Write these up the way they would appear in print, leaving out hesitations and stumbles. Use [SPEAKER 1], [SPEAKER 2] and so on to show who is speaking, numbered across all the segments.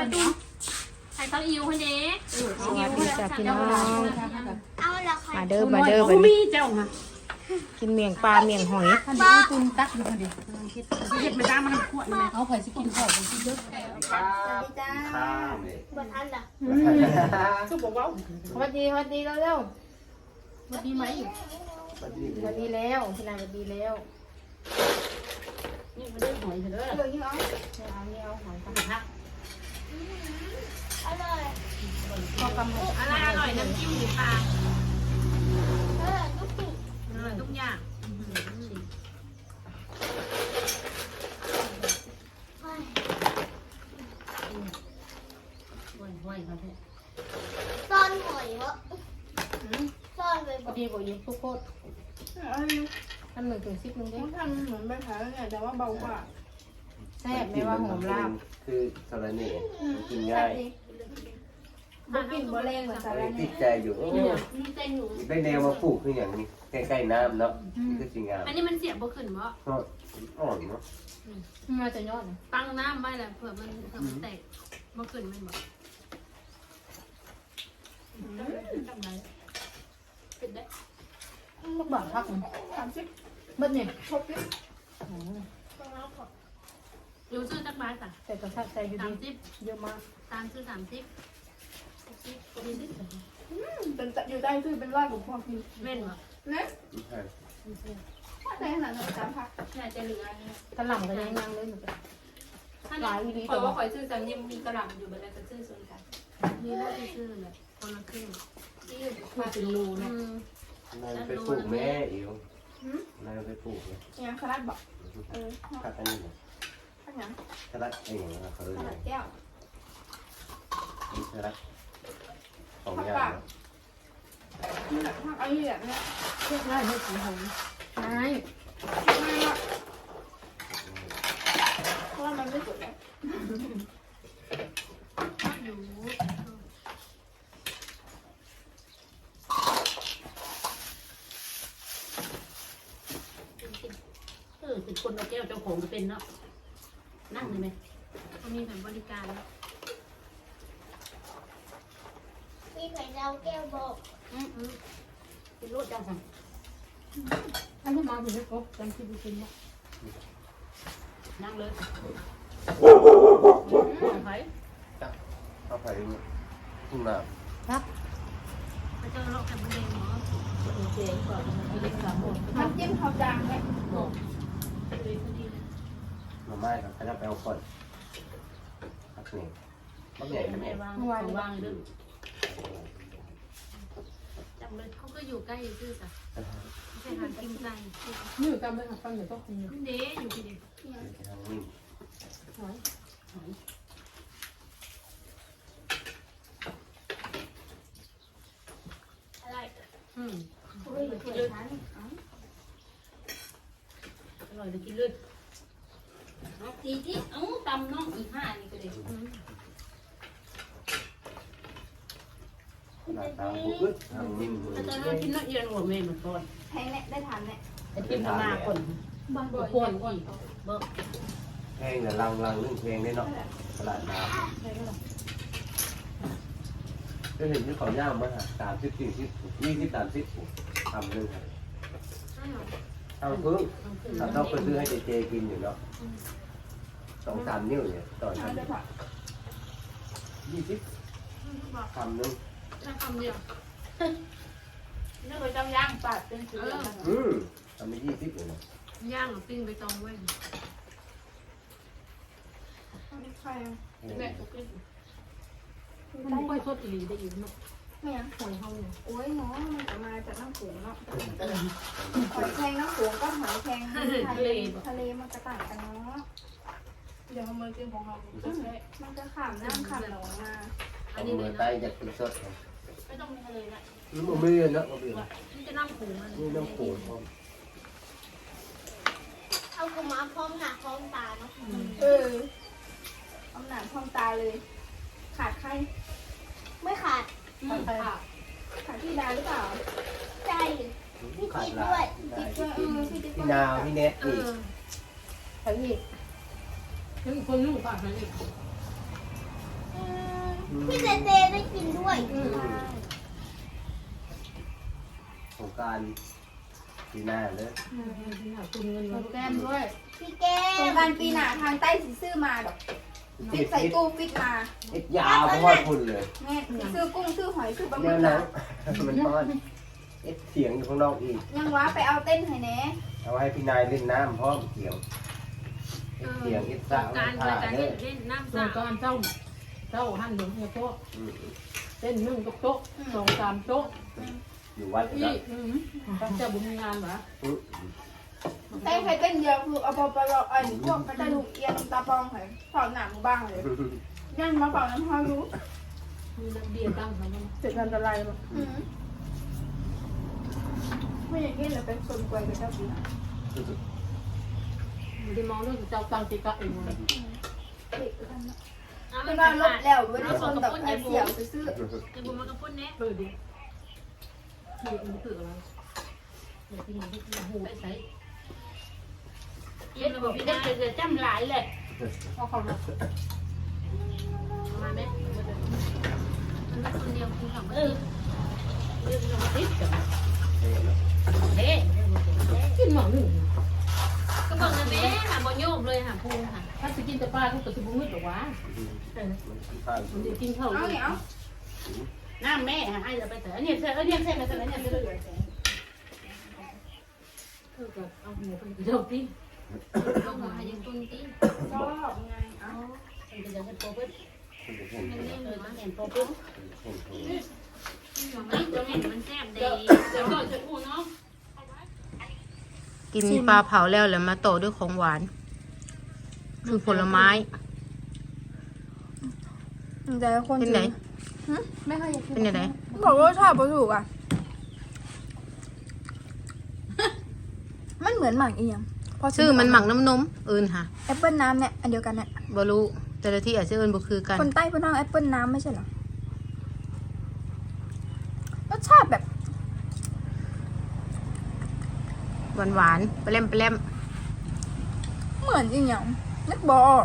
[SPEAKER 1] ตุ้มใส่เต้าอิ๋วคนเด้
[SPEAKER 2] สวัสดีจ้ะพี่น้อง
[SPEAKER 3] เอาละค่ะ
[SPEAKER 2] มาเด้อมาเด้อ
[SPEAKER 1] โอ้
[SPEAKER 2] วัน
[SPEAKER 1] มี
[SPEAKER 2] นี้
[SPEAKER 1] เจ้าค่ะ
[SPEAKER 2] กินเมียงปลาเมียงหอย
[SPEAKER 3] บ้า
[SPEAKER 1] ตุนตักอยู่คนเดียวเห็ดไม่ได้มันขวดเลยเขาเคยสิกินข้าวกินเยอะ
[SPEAKER 3] สวัสดีจ้าบัทันล่ะ
[SPEAKER 1] สุกบอกว่า
[SPEAKER 2] สวัสดีเร็ว
[SPEAKER 1] วันดีไหม
[SPEAKER 2] สวัสดีแล้วพี่นายสวัสดีแล้ว
[SPEAKER 1] นี่มันได้หอยเถอะ
[SPEAKER 3] เดี๋ยวนี้เอา
[SPEAKER 2] นี่เอาหอย
[SPEAKER 1] พัก
[SPEAKER 3] อร่อย
[SPEAKER 2] พอกำหก
[SPEAKER 1] อะไรอร่อยน้ำจิ้มหมูปลา
[SPEAKER 3] ลูกปิ่ง
[SPEAKER 1] อร่อยทุกอย่าง ไหวครับพี่
[SPEAKER 3] ซ่อนหอยวะซ่อนไป
[SPEAKER 2] พอดีบอกยิงทุกโคตรอัน1 ถึง 10นึงเด้
[SPEAKER 4] ทำเหมือนใบขาไงแต่ว่าเบากว่า
[SPEAKER 2] แซ่บไม่ว่าหอมลาบ
[SPEAKER 5] คือสารเน่กินง่าย
[SPEAKER 4] บ่กลิ่นบ่แรงเหมือนสาระ
[SPEAKER 5] ติ
[SPEAKER 4] เนี่
[SPEAKER 5] ด
[SPEAKER 4] ย
[SPEAKER 5] ใจอยู่
[SPEAKER 1] นี่เต้นหนู
[SPEAKER 5] ได้แนวมาปลูกคืออย่างนี้ใกล้ๆน้ำเนาะนี่คือสิ่งงาม
[SPEAKER 1] อันนี้มันเสียบบ่ขึ้นบ่
[SPEAKER 5] ก็อ่อนเนาะ
[SPEAKER 2] มาจะยอดนะ
[SPEAKER 1] ตั้งน้ำไว้แหละเผื่อมันแตกบ่ขึ้นมันบ่ทำไรเป็นได้
[SPEAKER 2] ลูกบาทพักมัน
[SPEAKER 4] 30
[SPEAKER 2] เบิดเนี่ย
[SPEAKER 1] อยู่ซื้อจักบาทจ้ะ
[SPEAKER 2] แต่กระชับใจอยู่ดี
[SPEAKER 1] 30
[SPEAKER 2] เยอะมาก
[SPEAKER 1] ตามซื้อ30มีนิด
[SPEAKER 4] เป็นอยู่ได้คือเป็นร้อยกว่าพอกิน
[SPEAKER 1] เว้นบ่
[SPEAKER 4] นะ
[SPEAKER 5] ใช่
[SPEAKER 4] ถ้าได้ขนาดนั้น3พัก
[SPEAKER 1] น่าจะเหลือ
[SPEAKER 2] กระหล่ำก็ยังเลยเหมือนกัน
[SPEAKER 1] ถ้า
[SPEAKER 2] หลายดี
[SPEAKER 6] ข่อยว่าข่อยซื้อจังยังมีกระหล่ำอยู่บัดนั้นก็ซื้อส่วนกัน
[SPEAKER 1] มีแล้วที่ซื้อเลยคนละครึ่ง
[SPEAKER 6] ที่อื่นมาเป็นรูนะ
[SPEAKER 5] นายไปปลูกแม่อิ๋วนายไปปลูกเนี่ย
[SPEAKER 4] ยังขนาดบอก
[SPEAKER 5] ขัดอันนี้เนี่ย
[SPEAKER 4] ข้างหลัง
[SPEAKER 5] ขัดเองนะเขาเลย
[SPEAKER 4] ขนาดแก้ว
[SPEAKER 5] นี่ขัดสองอย่าง
[SPEAKER 4] นี่แหละข้างไอ้แบบเนี้ย
[SPEAKER 2] เรียกได้ไม่สีหอมใช่
[SPEAKER 4] ง่ายมากเพราะว่ามันไม่สุดแล้ว
[SPEAKER 1] อยู่
[SPEAKER 6] เป็นคนเอาแก้วเจ้าของจะเป็นเนาะนั่งเลยไหม
[SPEAKER 1] เขามีแบบบริการ
[SPEAKER 3] มีไข่ดาวแก้วบอก
[SPEAKER 6] เป็นรถจังสั่ง
[SPEAKER 2] อันนี้มาถึงไม่ครบจำที่ดูกินว่า
[SPEAKER 6] นั่งเลยไผ่
[SPEAKER 5] เข้าไปทุ่งนา
[SPEAKER 1] ไปเจอโรคแคมเปญหมอ
[SPEAKER 6] เจ๊ก่อนมีเล็ก3 หมด
[SPEAKER 4] น้ำจิ้มเขาจางไหม
[SPEAKER 6] บอก
[SPEAKER 1] เลยพอดีเลย
[SPEAKER 5] หน่อไม้ครับขยับไปเอาก่อนพักนี่บักใหญ่ขนา
[SPEAKER 6] แม่
[SPEAKER 5] ด
[SPEAKER 6] วางด้วย
[SPEAKER 1] จำเลยเขาก็อยู่ใกล้ซื่อจ้ะไม่ใช่หากินไกล
[SPEAKER 2] นี่อยู่ตามไปฟังเดี๋ยวต้องกิน
[SPEAKER 1] เด้อยู่ที่เด็ก
[SPEAKER 5] ทางนี้
[SPEAKER 3] อะไร
[SPEAKER 1] อืม
[SPEAKER 4] เฮ้ยเปิดร้าน
[SPEAKER 6] อร่อยเลยกินเลยเอาทีที่เอ้าตำน้องอี5นี่ก็ได้
[SPEAKER 5] หน้าตาบุกทางนิ่มมือ
[SPEAKER 6] ถ้าจะให้กินละเอียดหัวแม่เหมือนก่อน
[SPEAKER 4] แพงเนี่ยได้ทานเนี่ย
[SPEAKER 6] ไอ้กินมาก่อนบางบ่อยก่อนอีกเบิก
[SPEAKER 5] แพงแต่ลังนึ่งเพลงได้เนาะตลาดน้ำก็เห็นที่เขาย่างมา30 40 20 30ทำนึงครับ
[SPEAKER 1] ใช่หรอ
[SPEAKER 5] ทำพึ่งถ้าต้องไปซื้อให้เจกินอยู่เนาะ2-3 นิ้วเนี่ยต่อ
[SPEAKER 4] ทานได้ผัก
[SPEAKER 5] 20ทำนึง
[SPEAKER 1] แค่คำเดียว
[SPEAKER 4] นี่เคยจำย่างปาดเป็นสีเหลือง
[SPEAKER 5] ทำไป20เลยนะ
[SPEAKER 1] ย่างหรือปิ้งไปตองไว้
[SPEAKER 4] ไม่ใช่
[SPEAKER 6] แม่ก็กิน
[SPEAKER 2] มันไม่ค่อยสดอีหลีได้อยู่เนาะ
[SPEAKER 4] ไม่ยัง
[SPEAKER 2] หอยเฮาเนี่ย
[SPEAKER 4] โอ้ยเนาะมันจะมาจากน้ำโขงเนาะหอยแครงน้ำโขงก็หอยแครงทะเลมันจะต่างกันเนาะเดี๋ยวมันกินของเรามันจะขามน้ำขามหนองมา
[SPEAKER 1] อั
[SPEAKER 5] อั
[SPEAKER 1] น
[SPEAKER 5] น
[SPEAKER 1] นี้
[SPEAKER 5] นี้
[SPEAKER 1] เลย
[SPEAKER 5] ไต
[SPEAKER 1] นะ
[SPEAKER 5] จะเป็นสด
[SPEAKER 1] ไม่ต้องมีทะเลละ
[SPEAKER 5] มันไม่เยอะนะมันเป็น
[SPEAKER 1] นี่จะน้ำผูมัน
[SPEAKER 5] นี่น้ำโขงพร้อม
[SPEAKER 3] เอากุมาพร้อมหน้าพร้อมตาเนาะ
[SPEAKER 4] เอาหนังพองตาเลย ขาดใคร
[SPEAKER 3] ไม่ขาด
[SPEAKER 4] ขาดพี่ดาหรือเปล่า
[SPEAKER 3] ใจพี่
[SPEAKER 5] ขาด
[SPEAKER 3] จิ๊บ
[SPEAKER 5] ลา
[SPEAKER 3] ด้วย
[SPEAKER 5] ย
[SPEAKER 4] จิ๊บด้วยพี่จิ๊บ
[SPEAKER 5] พี่นาวพี่เน็ต
[SPEAKER 1] เอ
[SPEAKER 5] อีก
[SPEAKER 1] อ
[SPEAKER 2] ใครอีกนี่คนลูกป่ะใครอีก
[SPEAKER 3] อืมพี่เจเจได้กินด้วย
[SPEAKER 5] สงกรารปีหน้าเลย
[SPEAKER 1] ตุนเงินมาแก้มด้วย
[SPEAKER 3] พี่แก้
[SPEAKER 4] โครง
[SPEAKER 3] ม
[SPEAKER 4] การปีหน้าทางใต้สิซื้อมาดอกติดใส่ตู้ฟิตมา
[SPEAKER 5] ติดยาวเพราะว่าคุณเลย
[SPEAKER 4] แม่ซื้อกุ้งซื้อหอยซื้อปลาหมึ
[SPEAKER 5] แน
[SPEAKER 4] ก
[SPEAKER 5] วนั้นมันทอดเสียงอยู่ข้างนอกอีก
[SPEAKER 4] ยังว้าไปเอาเต้นให้แน่
[SPEAKER 5] เอาให้พี่นายเล่นน้ำพร้อมเสียงเสียงสาว
[SPEAKER 6] การ
[SPEAKER 5] ท่า
[SPEAKER 6] การ
[SPEAKER 5] เด้อ
[SPEAKER 6] เล่นน้ำ
[SPEAKER 1] ส่ว
[SPEAKER 6] สาน ว
[SPEAKER 1] การเจ้าหั่นหลวงเนี่ยโต๊ะเต้นนึ่งโต๊ะ2 3โต๊ะ
[SPEAKER 5] อยู่วัด
[SPEAKER 1] พี่
[SPEAKER 5] แล้ว
[SPEAKER 1] เจ้าบุญมีงานเหรอ
[SPEAKER 4] ใครเต้นเยอะคือเอาไปเราไอ้พวกกระดูกเอียงตาปองให้ถอดหนังบ้างเลยยังมาเป่าน้ำพารู้
[SPEAKER 1] มีนักเบียร์ตั้งมา
[SPEAKER 4] เจ็บอันตรายมั้งไม่อย่างนี้เลยเป็นคนกวยกับเจ้าปีน่ะ
[SPEAKER 1] ไม่ได้มองเรื่องเจ้าตั้งติกะเองเลย
[SPEAKER 6] เอาไป
[SPEAKER 4] เป็น
[SPEAKER 6] บ้า
[SPEAKER 4] ว่าน ล
[SPEAKER 6] ล
[SPEAKER 4] บบ แล้วไม่ได้ชนแบบไอ้เสี่ยวซื้อ
[SPEAKER 6] ไอ้บุญมันก็พุ่นแน่
[SPEAKER 1] เปิดดิเด็กมันคืออะไรเด็กที่มันที่หูใส่
[SPEAKER 6] เย็นระบบพี่ได้จะจำหลายเลย
[SPEAKER 1] เอาเขามา
[SPEAKER 6] มาไหมมันคนเดียวกินของเรื่องลงติดกับเฮ้
[SPEAKER 1] กินหมองหนึ่ง
[SPEAKER 6] ก็บอกนะแม่หาบอโยกเลยหาพูค่ะ
[SPEAKER 1] ถ้าจะกินแต่ปลาทุกตัวจะบุ้งมืดหรอวะ มันจะกินข้าว
[SPEAKER 4] เอาเหนียว
[SPEAKER 6] น้าแม่ให้เราไปเถอะเนี่ยเธอเนี่ยเธอมาเถอะเนี่ยเธอ
[SPEAKER 1] กับเอาหัวไปเดี๋ยวพี่
[SPEAKER 6] ต้องมายังตุนตี
[SPEAKER 4] ชอบไงเอา
[SPEAKER 6] มันจะเป็นโปรเฟสมันเล่นหรือมันเห็นโปรเฟสมันแซ่บดีเดี๋ยวก่อนจะพูดเนาะ
[SPEAKER 2] กินปลาเผาแล้วแล้วมาโตด้วยของหวาน คือผลไม้
[SPEAKER 4] แต่คน
[SPEAKER 2] เป็นไหน
[SPEAKER 4] ไม่ค่อยอยากกิน
[SPEAKER 2] เป็นยังไง
[SPEAKER 4] บอกว่ารสชาติบ่ถูกอ่ะ มันเหมือนหมากเอียง
[SPEAKER 2] ชื่อมันหมักน้ำนมอื่นค่ะ
[SPEAKER 4] แอปเปิลน้ำเนี่ยอันเดียวกันเนี่ย
[SPEAKER 2] บรู้แต่ละที่อาจจะเอินบ่คือกัน
[SPEAKER 4] คนใต้พูดว่าแอปเปิลน้ำไม่ใช่เหรอรสชาติแบบ
[SPEAKER 2] หวานหวานๆไปเล่มไปเล่ม
[SPEAKER 4] เหมือนอีหยังนึกบออก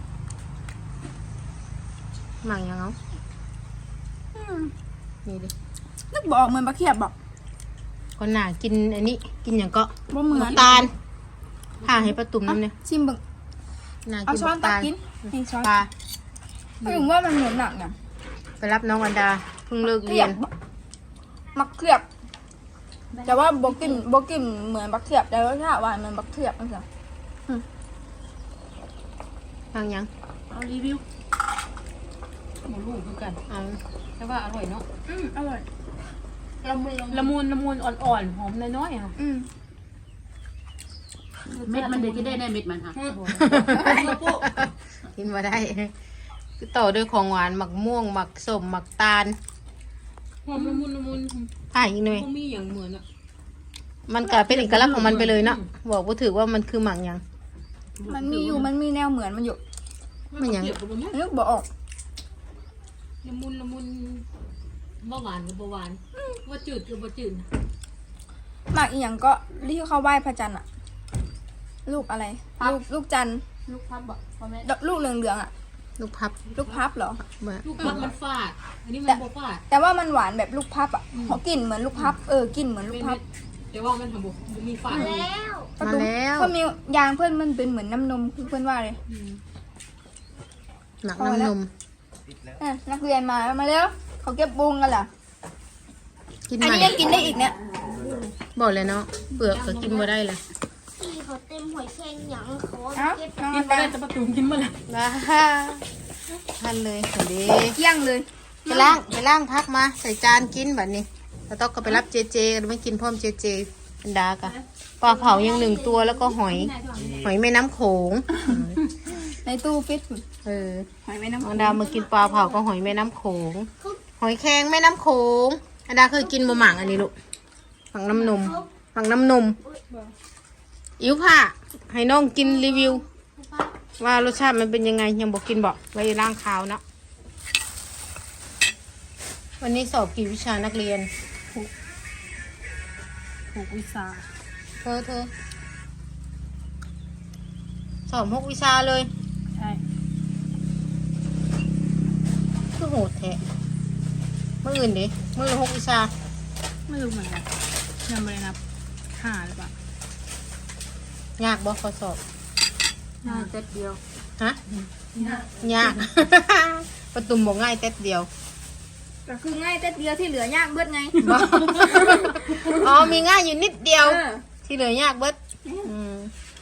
[SPEAKER 2] หมักยังเอา
[SPEAKER 4] อืม
[SPEAKER 2] นี่ดิ
[SPEAKER 4] นึกบออกเหมือนปลาเขียบบอก
[SPEAKER 2] คนหนากินอันนี้กินอย่างก็
[SPEAKER 4] บ่เหมือน
[SPEAKER 2] น้ำตาลผ่าให้ประตุ่มน้ำเนี่ย
[SPEAKER 4] ชิมเบึง
[SPEAKER 2] หนา
[SPEAKER 4] เอา
[SPEAKER 2] กิน
[SPEAKER 4] ช้อน
[SPEAKER 2] น้ำ
[SPEAKER 4] ตัก
[SPEAKER 2] ตาล
[SPEAKER 4] กินนี่ช้อน
[SPEAKER 2] ปลา
[SPEAKER 4] ไม่รู้ว่ามันเหมือนหนักเนี่ย
[SPEAKER 2] ไปรับน้องอันดาเพิ่งเลิก
[SPEAKER 4] เขี
[SPEAKER 2] เรี
[SPEAKER 4] ย
[SPEAKER 2] ย
[SPEAKER 4] บ
[SPEAKER 2] น
[SPEAKER 4] มักเขียบ แต่ว่าบกินเหมือนบักเขียบแต่รสชาติหวานเหมือนบักเขียบนั่นสิ
[SPEAKER 2] ฟังยัง
[SPEAKER 1] เอารีวิวหมูลูกคือกัน
[SPEAKER 2] เอา
[SPEAKER 1] แต่ว่าอร่อยเนาะ
[SPEAKER 4] อร่อยละมุน
[SPEAKER 1] ละมุนอ่อนๆหอมน้อยๆค่ะ
[SPEAKER 6] เม็ดมันเดี๋ยวจะได้เม็ดมันค่ะ
[SPEAKER 2] กินมาได้คือต่อด้วยของหวานหมักม่วงหมักส้มหมักตาล
[SPEAKER 1] หอมละมุน
[SPEAKER 2] ผ่าอีกหน่อย
[SPEAKER 1] ก็มีอย่างเหมือนอ่ะ
[SPEAKER 2] มันก็เป็นเอกลักษณ์ของมันไปเลยเนาะบอกว่าถือว่ามันคือหมักหยัง
[SPEAKER 4] มันมีแนวเหมือนมันอยู่
[SPEAKER 2] มันหยัง
[SPEAKER 1] เกี่ยวกับมัน
[SPEAKER 4] นึกบออก
[SPEAKER 1] ละมุนบ่หวานกับบ่หวานว่าจืดกับบ่จืด
[SPEAKER 4] หมากอีหยังก็ที่เขาไหว้พระจันทร์อะลูกอะไร ลูกจันทร์
[SPEAKER 1] ลูกพับบ่พ่อแม่
[SPEAKER 4] ลูกเหลืองๆอะ
[SPEAKER 2] ลูกพับ
[SPEAKER 4] ลูกพับเหรอ
[SPEAKER 2] เมื่อ
[SPEAKER 1] ลูกพับมันฟาดอันนี้มันบ่ฟาด
[SPEAKER 4] แต่ว่ามันหวานแบบลูกพับอะเขากลิ่นเหมือนลูกพับกลิ่นเหมือนลูกพับ
[SPEAKER 1] แต่ว่ามันทำบ่มีฟาด
[SPEAKER 3] แล้ว
[SPEAKER 2] มาแล้ว
[SPEAKER 4] เขามียางเพื่อนมันเป็นเหมือนน้ำนมเพื่อนว่าเลย
[SPEAKER 2] หมักน้ำนม
[SPEAKER 4] นักเรียนมาแล้วเขาเก็บบุงกันเหรอ
[SPEAKER 2] กิน
[SPEAKER 4] อัน
[SPEAKER 2] ใหม่
[SPEAKER 4] นี้ยังกินได้อีกเนี่ย
[SPEAKER 2] บอกเลยเนาะเปลือกก็กินมาได้เลย
[SPEAKER 3] พี่เขาเต็มหอยแครงหยังเขา
[SPEAKER 4] เอ้า
[SPEAKER 3] เก็บ
[SPEAKER 4] น้อง
[SPEAKER 1] กิ
[SPEAKER 4] อั
[SPEAKER 1] น
[SPEAKER 4] น
[SPEAKER 1] มา
[SPEAKER 4] ดา
[SPEAKER 1] ได้แต่ประตูกินมาแล้ว
[SPEAKER 2] ว้าท่านเลยสวัสดี
[SPEAKER 4] เกี้ยงเลย
[SPEAKER 2] ไปล้างพักมาใส่จานกินแบบนี้แล้วต้องก็ไปรับเจเจกันไม่กินพร้อมเจเจอันดากะปลาเผายัง1 ตัวแล้วก็หอยแม่น้ำโขง
[SPEAKER 4] ในตู้ฟิต หอยแม่น้ำ
[SPEAKER 2] อันดามากินปลาเผาก็หอยแม่น้ำโขงหอยแครงแม่น้ำโขงอันดาเคยกินบะหมั่งอันนี้ลูกหมักน้ำนมหมักน้ำนมอิ๋วผ้าให้น้องกินรีวิว ว่ารสชาติมันเป็นยังไงยังบอกกินบอกไว้ร่างคาวเนาะวันนี้สอบกี่วิชานักเรียน
[SPEAKER 1] 6 วิชา
[SPEAKER 2] เธอสอบ6 วิชาเลย
[SPEAKER 1] ใช่
[SPEAKER 4] คือ
[SPEAKER 2] หดแท้มื้ออื่นดิมื้อละ6วิชา
[SPEAKER 4] ไม่รู้เหมือนกันยังไม่ได้นับหาหรือเปล่าย
[SPEAKER 2] ากบ่ข้อสอบ
[SPEAKER 6] น่าจะเดียว
[SPEAKER 2] ฮะยาก ประตุ่มบอกง่ายเต็ดเดียว
[SPEAKER 4] ก็คือง่ายแต่เดียวที่เหลือยากเบิดไง
[SPEAKER 2] บ่อ๋อมีง่ายอยู่นิดเดียว
[SPEAKER 4] เออ
[SPEAKER 2] ที่เหลือยากเบิดม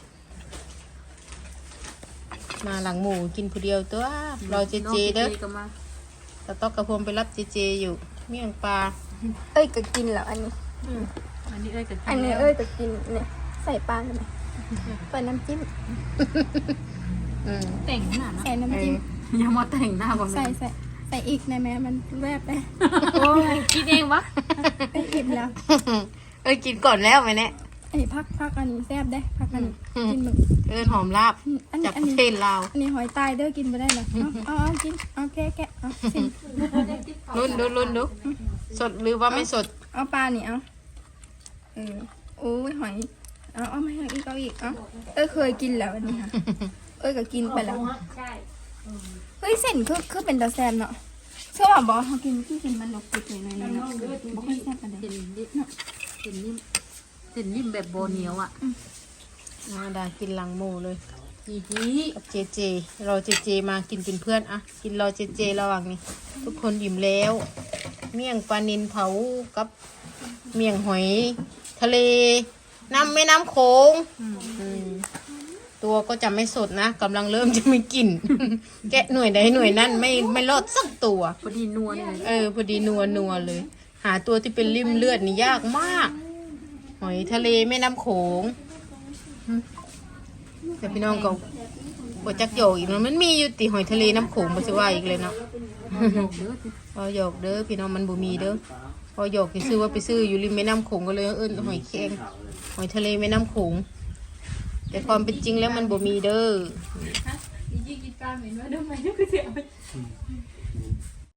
[SPEAKER 2] มาหลังหมูกินผู้เดียวตัวรอเจเจเด้อ
[SPEAKER 6] ก็มา
[SPEAKER 2] ตะต๊อกกระพมไปรับเจเจอยู่เมี่ยงปลา
[SPEAKER 4] เอ้ยก็กินแล้วอันนี้
[SPEAKER 6] อันนี้เอ้ยก็
[SPEAKER 4] อันนี้เอ้ยก็กินเนี่ยใส่ปลากันไหมใส่น้ำจิ้ม
[SPEAKER 6] แต่งขนาดนั้น
[SPEAKER 4] ใส่น้ำจิ้ม
[SPEAKER 6] ยังมาแต่งหน้าบ่
[SPEAKER 4] ใส่อีกนะแม่มันแวบไป
[SPEAKER 6] โอ้ยคิดเองวะ
[SPEAKER 4] ไปอิ่มแล้ว
[SPEAKER 2] กินก่อนแล้วไหมเนี่ย
[SPEAKER 4] อันนี้พักอันนี้แซ่บได้พักอันนี้กินหมึก
[SPEAKER 2] หอมลาบ
[SPEAKER 4] อัน
[SPEAKER 2] จาก
[SPEAKER 4] นี้
[SPEAKER 2] ประเทศลาว
[SPEAKER 4] อันนี้หอยตายเด้อกินไปได้เหรอเอากินเอาแกะเอาสิ
[SPEAKER 2] ลุ้นดูสดหรือว่าไม่สด
[SPEAKER 4] เอาปลานี่เอาโอ้ยหอยเอามาให้อีกเอาอีกเอาเคยกินแล้วอันนี้ค่ะก็กินไปแล้ว
[SPEAKER 1] ใช่
[SPEAKER 4] เฮ้ยเส้นคือเป็นตาแซมเนาะเชื่อว่าบอสเขากินที่กินมันหลบติดหน่อยๆเนาะบอกให้แซ่บกันเลย
[SPEAKER 6] เห็นนิ่มเห็นนิ่มเห็นนิ่มแบบโบเหนียวอ่ะ
[SPEAKER 2] ดากินหลังหมูเลย
[SPEAKER 6] อีฮี
[SPEAKER 2] กับเจเจรอเจเจมากินเป็นเพื่อนอะกินรอเจเจระหว่างนี้ ทุกคนอิ่มแล้ว เมี่ยงปลานิลเผากับเมี่ยงหอยทะเลแม่น้ำโขงตัวก็จะไม่สดนะกำลังเริ่มจะไม่กิน แกะหน่วยใดหน่วยนั้นไม่รอดสักตัว
[SPEAKER 6] พอดีนวลเลย
[SPEAKER 2] พอดีนัวเลย หาตัวที่เป็นริ่มเลือดนี่ยากมาก หอยทะเลแม่น้ำโขงแต่พี่น้องก็บจักโยกอีกแล้วมันมีอยู่ติหอยทะเลน้ำโขงบ่สิว่าอีกเลยเนาะ พอโยกเด้อพี่น้องมันบ่มีเด้อพอโยกซื้อว่าไปซื้ออยู่ริมแม่น้ำโขงก็เลยหอยแครงหอยทะเลแม่น้ำโขงแต่ความเป็นจริงแล้วมันบ่มีเด้อ
[SPEAKER 1] ยิ่งกินปลาเหม็นว่าด้วยไหมก็เสีย